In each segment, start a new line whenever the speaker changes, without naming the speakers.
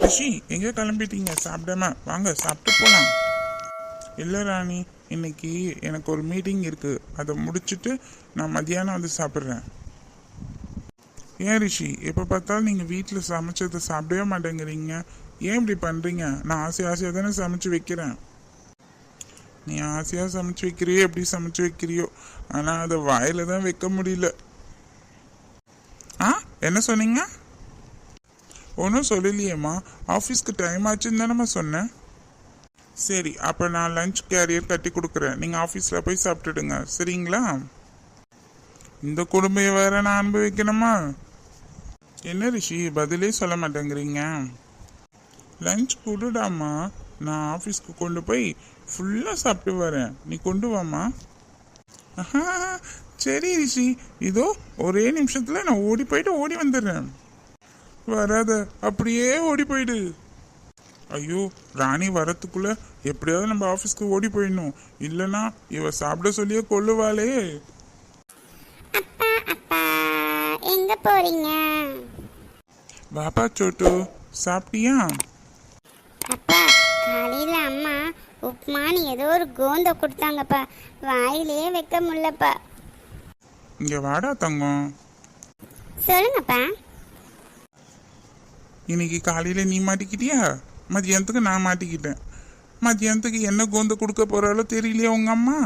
ரிஷி எங்கே கிளம்பிட்டீங்க சாப்பிடாம? வாங்க சாப்பிட்டு போகலாம். இல்லை ராணி, இன்னைக்கு எனக்கு ஒரு மீட்டிங் இருக்குது, அதை முடிச்சுட்டு நான் மதியானம் வந்து சாப்பிட்றேன். ஏன் ரிஷி, எப்போ பார்த்தாலும் நீங்கள் வீட்டில் சமைச்சதை சாப்பிடவே மாட்டேங்கிறீங்க? ஏன் இப்படி பண்ணுறீங்க? நான் ஆசையாக தானே சமைச்சு வைக்கிறேன். நீ ஆசையாக சமைச்சு வைக்கிறியோ எப்படி சமைச்சு வைக்கிறியோ, ஆனால் அதை வாயில் தான் வைக்க முடியல. என்ன சொன்னீங்க? ஒன்றும் சொல்லலையேம்மா. ஆஃபீஸ்க்கு டைம் ஆச்சுன்னு தானேம்மா சொன்னேன். சரி, அப்போ நான் லஞ்ச் கேரியர் கட்டி கொடுக்குறேன், நீங்கள் ஆஃபீஸில் போய் சாப்பிட்டுடுங்க, சரிங்களா? இந்த கொடுமையை வேற நான் அனுபவிக்கணுமா? என்ன ரிஷி பதிலே சொல்ல மாட்டேங்கிறீங்க? லஞ்ச் கொடுடாமா, நான் ஆஃபீஸ்க்கு கொண்டு போய் ஃபுல்லாக சாப்பிட்டு வரேன், நீ கொண்டு வாமா. சரி ரிஷி, இதோ ஒரே நிமிஷத்தில் நான் ஓடி போயிட்டு ஓடி வந்துடுறேன். வராத, அப்படியே ஓடி போயிடு. ஐயோ, ராணி வரத்துக்குள்ள எப்படியாவது நம்ம ஆஃபீஸ்க்கு ஓடி போயிடணும், இல்லைன்னா இவ சாப்பிட சொல்லியே கொல்லுவாளே.
அப்பா அப்பா எங்க போறீங்க?
பாப்பா சோட்டு, சாப்பிட்டியா?
அப்பா, காலையில அம்மா உப்புமான்னு ஏதோ ஒரு கோந்த கொடுத்தாங்கப்பா, வாயிலே வைக்க முடியலப்பா.
இங்க வாடா தங்கம்.
சொல்லுங்கப்பா.
இன்னைக்கு காலையில நீ மாட்டிக்கிட்டியா? மதியானத்துக்கு நான் மாட்டிக்கிட்டேன். மதியானத்துக்கு என்ன கோந்த கொடுக்க போறாளோ தெரியலையா உங்க அம்மா?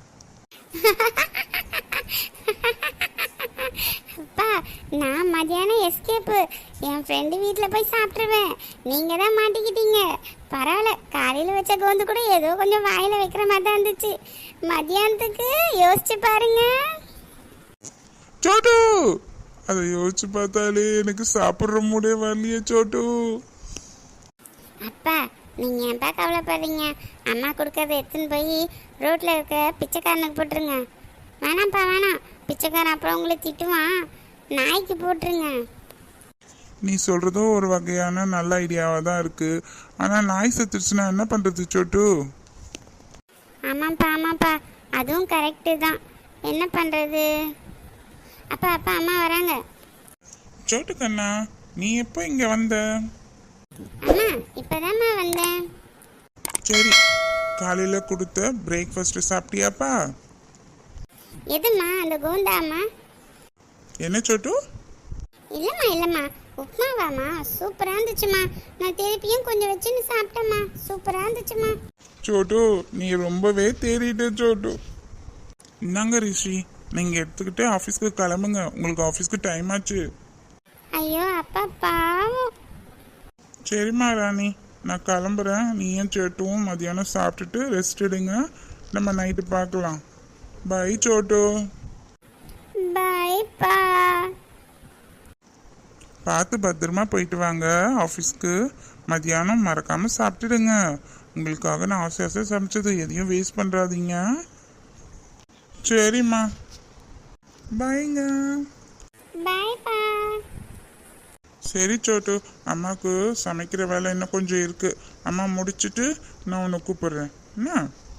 அப்பா, நான் மதியானம் எஸ்கேப்பு என் ஃப்ரெண்டு வீட்டில் போய் சாப்பிட்ருவேன். நீங்கள் தான் மாட்டிக்கிட்டீங்க. பரவாயில்ல, காலையில் வச்ச கோந்து கூட ஏதோ கொஞ்சம் வாயில் வைக்கிற மாதிரி தான் இருந்துச்சு. மதியானத்துக்கு யோசிச்சு பாருங்க.
சோட்டு, அதை யோசிச்சு பார்த்தாலே எனக்கு சாப்பிட்ற மூடே வரலையே சோட்டு.
அப்பா, நீங்கள் ஏன்ப்பா கவலைப்படுறீங்க? அம்மா கொடுக்கறத எடுத்துன்னு போய் ரோட்டில் இருக்க பிச்சைக்காரனுக்கு போட்டுருங்க. வேணாம்ப்பா வேணாம், பிச்சைக்காரன் அப்புறம் உங்களை திட்டுவான், நாய்க்கு போட்டுருங்க.
நீ சொல்றதும் ஒரு வகையான நல்ல ஐடியாவா தான் இருக்கு. ஆனா நாய் செத்துருச்சுன்னா என்ன பண்றது சோட்டு?
ஆமாம்ப்பா ஆமாம்ப்பா, அதுவும் கரெக்டு தான். என்ன பண்ணுறது? அப்பா அப்பா, அம்மா வராங்க.
சோட்டு கண்ணா, நீ எப்போ இங்க வந்த?
அம்மா, இப்போதாம்மா வந்தேன்.
சரி, காலையில கொடுத்த பிரேக்ஃபாஸ்ட் சாப்பிட்டியாப்பா?
எதும்மா, அந்த கோந்தாம்மா?
என்ன சோட்டு?
இல்லைம்மா இல்லைம்மா, உப்புமாவாம்மா. சூப்பராக இருந்துச்சுமா, நான் திருப்பியும் கொஞ்சம் வச்சுன்னு சாப்பிட்டேம்மா, சூப்பராக இருந்துச்சுமா.
சோட்டு, நீ ரொம்பவே தேறிட்ட சோட்டு. இந்தாங்க ரிஷி, நீங்க எடுத்துக்கிட்டு ஆஃபீஸ்க்கு கிளம்புங்க, உங்களுக்கு ஆஃபீஸ்க்கு டைம் ஆச்சு.
ஐயோ அப்பா பாவம்.
சரிம்மா ராணி, நான் கிளம்புறேன். நீயும் சோட்டுவும் மதியானம் சாப்பிட்டுட்டு ரெஸ்ட் எடுங்க, நம்ம நைட்டு பார்க்கலாம். பை சோட்டு.
பாய்ப்பா.
பார்த்து பத்திரமா போயிட்டு வாங்க ஆஃபீஸ்க்கு. மதியானம் மறக்காம சாப்பிட்டுடுங்க. உங்களுக்காக நான் ஆசை ஆசை சமைச்சது எதையும் வேஸ்ட் பண்ணுறாதீங்க. சரிம்மா, பாய்ங்க.
பாய்ப்பா.
சரி சோட்டு, அம்மாவுக்கு சமைக்கிற வேலை இன்னும் கொஞ்சம் இருக்கு, அம்மா முடிச்சுட்டு நான் உன்னை கூப்பிடுறேன் என்ன?